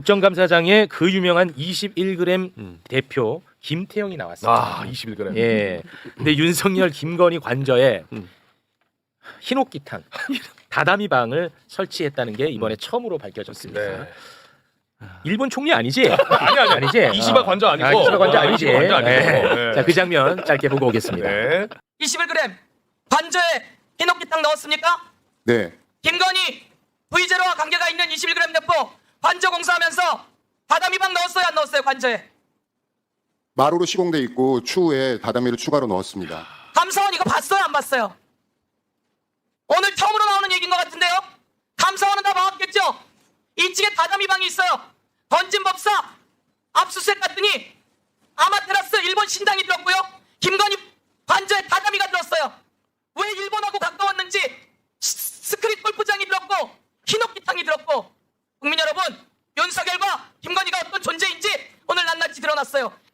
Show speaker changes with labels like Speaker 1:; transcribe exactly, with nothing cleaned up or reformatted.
Speaker 1: 국정감사장에 그 유명한 이십일 그램
Speaker 2: 음.
Speaker 1: 대표 김태형이 나왔습니다.
Speaker 2: 아, 이십일 그램.
Speaker 1: 예. 근데 윤석열, 김건희 관저에
Speaker 2: 음.
Speaker 1: 흰옥기탕, 다다미 방을 설치했다는 게 이번에 처음으로 밝혀졌습니다.
Speaker 2: 네.
Speaker 1: 일본 총리 아니지?
Speaker 2: 아니 아니
Speaker 1: 아니지?
Speaker 2: 이시바 관저 아니고.
Speaker 1: 아, 이시바 관저 아니지?
Speaker 2: 이시바 관저 아니고.
Speaker 1: 네.
Speaker 2: 네.
Speaker 1: 자, 그 장면 짧게 보고 오겠습니다.
Speaker 2: 네.
Speaker 3: 이십일 그램 관저에 흰옥기탕 넣었습니까?
Speaker 4: 네,
Speaker 3: 김건희 브이제로와 관계가 있는 이십일 그램 대포 관저 공사하면서 다다미방 넣었어요 안 넣었어요 관저에?
Speaker 4: 마루로 시공돼 있고 추후에 다다미를 추가로 넣었습니다.
Speaker 3: 감사원 이거 봤어요 안 봤어요? 오늘 처음으로 나오는 얘기인 것 같은데요? 감사원은 다 봐왔겠죠? 이 층에 다다미방이 있어요. 던진 법사 압수수색 갔더니 아마테라스 일본 신당이 들었고요. 김건희 관저에 다다미가 들었어요. 왜 일본하고 가까웠는지 스- 스크린 골프장이 들었고 흰옥기탕이 들었고 국민 여러분 윤석열과 김건희가 어떤 존재인지 오늘 낱낱이 드러났어요.